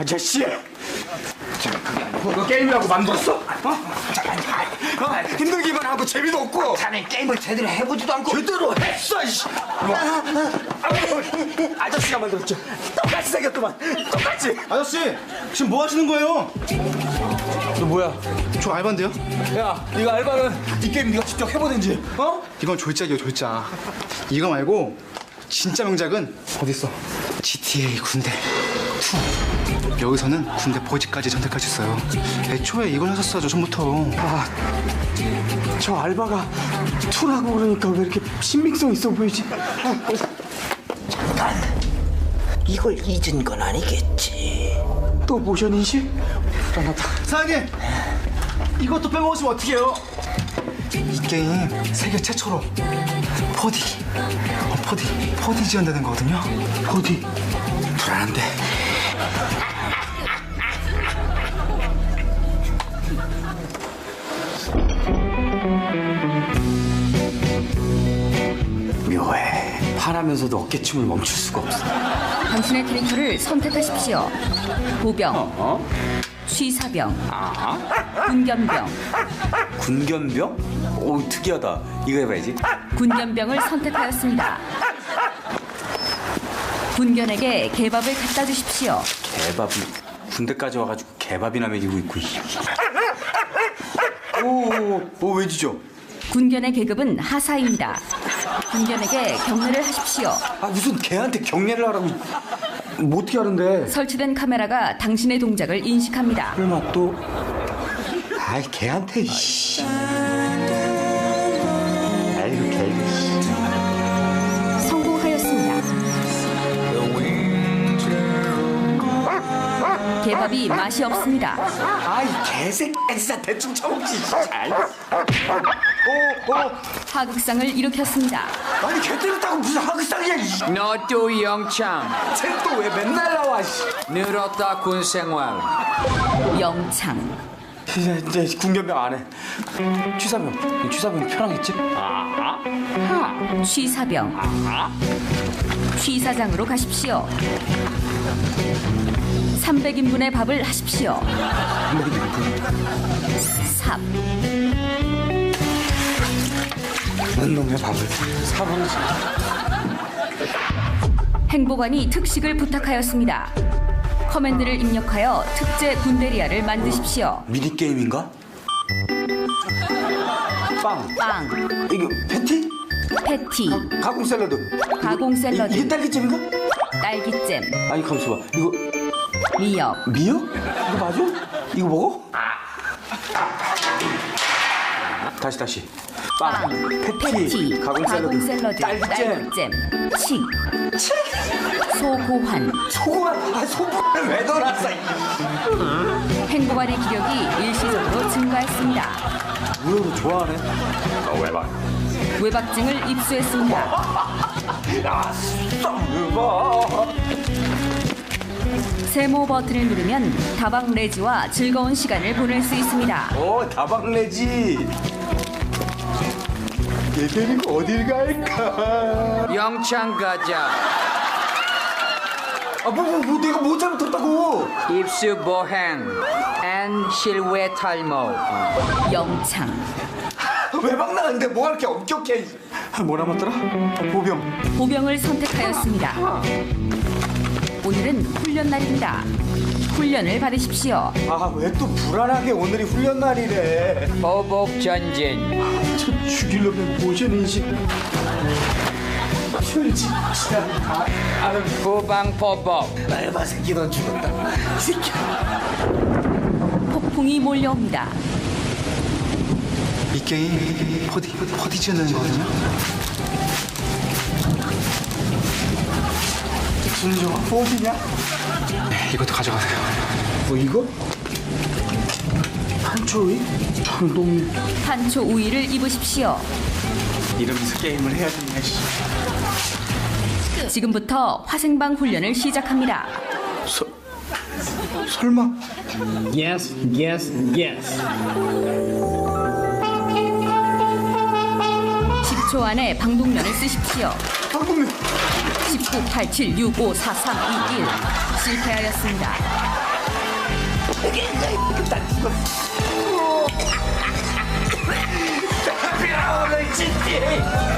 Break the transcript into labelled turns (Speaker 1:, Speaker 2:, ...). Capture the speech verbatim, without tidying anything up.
Speaker 1: 아저씨! 너 게임이라고 만들었어? 어? 어? 힘들기만 하고 재미도 없고.
Speaker 2: 자네 게임을 제대로 해보지도 않고.
Speaker 1: 제대로 했어, 이씨. 뭐. 아저씨가 만들었죠. 똑같이 생겼더만. 똑같이.
Speaker 3: 아저씨, 지금 뭐 하시는 거예요?
Speaker 1: 너 뭐야?
Speaker 3: 저 알바인데요?
Speaker 1: 야, 네가 알바는 이 게임 네가 직접 해보든지. 어?
Speaker 3: 이건 졸작이에요, 졸작. 이거 말고 진짜 명작은
Speaker 1: 어딨어?
Speaker 3: 지티에이 군대 투. 여기서는 군대 보직까지 선택할 수 있어요. 애초에 이걸 하셨어야죠, 처음부터.
Speaker 1: 아, 저 알바가 투라고 그러니까 왜 이렇게 신빙성 있어 보이지?
Speaker 2: 잠깐. 이걸 잊은 건 아니겠지.
Speaker 1: 또 모션 인식? 불안하다.
Speaker 3: 사장님! 이것도 빼먹으시면 어떡해요? 이 게임 세계 최초로 포디 어, 포디 포디 지원되는 거거든요.
Speaker 1: 어디?
Speaker 3: 불안한데.
Speaker 1: 묘해. 파라면서도 어깨춤을 멈출 수가 없어.
Speaker 4: 당신의 캐릭터를 선택하십시오. 보병,
Speaker 1: 어?
Speaker 4: 취사병,
Speaker 1: 아?
Speaker 4: 군견병.
Speaker 1: 군견병? 오, 특이하다. 이거 해봐야지.
Speaker 4: 군견병을 선택하였습니다. 군견에게 개밥을 갖다 주십시오.
Speaker 1: 개밥이 군대까지 와가지고 개밥이나 먹이고 있고. 오, 오, 왜 지죠?
Speaker 4: 군견의 계급은 하사입니다. 군견에게 경례를 하십시오.
Speaker 1: 아, 무슨 개한테 경례를 하라고. 뭐 어떻게 하는데?
Speaker 4: 설치된 카메라가 당신의 동작을 인식합니다.
Speaker 1: 설마 또. 아이, 개한테. 씨. 아이고, 개.
Speaker 4: 성공하였습니다. 개밥이 맛이 없습니다.
Speaker 1: 아이, 개새끼. 진짜 대충 쳐먹지. 잘. 오, 오.
Speaker 4: 하극상을 일으켰습니다.
Speaker 1: 아니, 개 때렸다고 무슨 하극상이야.
Speaker 5: 너도 영창
Speaker 1: 쟤또 왜 맨날 나와. 씨.
Speaker 5: 늘었다 군생활.
Speaker 4: 영창.
Speaker 1: 이제, 이제 군견병 안 해. 취사병. 취사병 편하겠지? 아, 아.
Speaker 4: 취사병. 취사장으로 가십시오. 삼백 인분의 밥을 하십시오. 삽.
Speaker 1: 넌 놈의 밥을 사방지.
Speaker 4: 행보관이 특식을 부탁하였습니다. 커맨드를 입력하여 특제 군대리아를 만드십시오.
Speaker 1: 미니게임인가? 빵.
Speaker 4: 빵,
Speaker 1: 이거 패티?
Speaker 4: 패티,
Speaker 1: 가공 샐러드.
Speaker 4: 가공 샐러드,
Speaker 1: 이, 이게 딸기잼인가?
Speaker 4: 딸기잼,
Speaker 1: 아니, 가만있어 봐. 이거
Speaker 4: 미역,
Speaker 1: 미역? 이거 맞아? 이거 먹어? 다시 다시. 빵,
Speaker 4: 빵,
Speaker 1: 패티,
Speaker 4: 패티,
Speaker 1: 가공 샐러드,
Speaker 4: 가공 샐러드,
Speaker 1: 딸기잼.
Speaker 4: 딸기잼, 칡, 소고환.
Speaker 1: 소고만, 아, 소고만 왜 넣어놨어?
Speaker 4: 행보관의 기력이 일시적으로 증가했습니다.
Speaker 1: 우여도 좋아하네. 아, 왜 봐?
Speaker 4: 외박증을 입수했습니다.
Speaker 1: 야, 썸봐.
Speaker 4: 세모 버튼을 누르면 다방 레지와 즐거운 시간을 보낼 수 있습니다.
Speaker 1: 오, 다방내지. 얘 데리고 어딜 갈까?
Speaker 5: 영창 가자.
Speaker 1: 아, 뭐, 뭐, 뭐, 내가 뭐 잘못했다고?
Speaker 5: 입수 보행 앤 실외 탈모.
Speaker 4: 영창.
Speaker 1: 외박 나는데 뭐 이렇게 엄격해. 뭐 남았더라? 보병.
Speaker 4: 보병을 선택하였습니다. 오늘은 훈련 날입니다. 훈련을 받으십시오.
Speaker 1: 아, 왜 또 불안하게 오늘이 훈련 날이래.
Speaker 5: 보복 전진.
Speaker 1: 저 죽이려면 모션 인식. 술 진짜 다 아는
Speaker 5: 후방 보복.
Speaker 1: 알바 새끼 넌 죽었다. 이 새끼.
Speaker 4: 폭풍이 몰려옵니다.
Speaker 3: 이 게임 포디 포디 지원되는 거거든요.
Speaker 1: 순정아, 어디냐?
Speaker 3: 네, 이것도 가져가세요.
Speaker 1: 뭐 이거? 한초이? 참동이.
Speaker 4: 탄초 우위를 입으십시오.
Speaker 1: 이러면서 게임을 해야 되냐, 씨.
Speaker 4: 지금부터 화생방 훈련을 시작합니다.
Speaker 1: 서, 설마?
Speaker 6: Yes, yes, yes.
Speaker 4: 십 초 안에 방독면을 쓰십시오.
Speaker 1: 방금
Speaker 4: 십구, 팔, 칠, 육, 오, 사, 삼, 이, 일. 실패하였습니다.
Speaker 2: 난 죽었어. 비라 오늘 진지.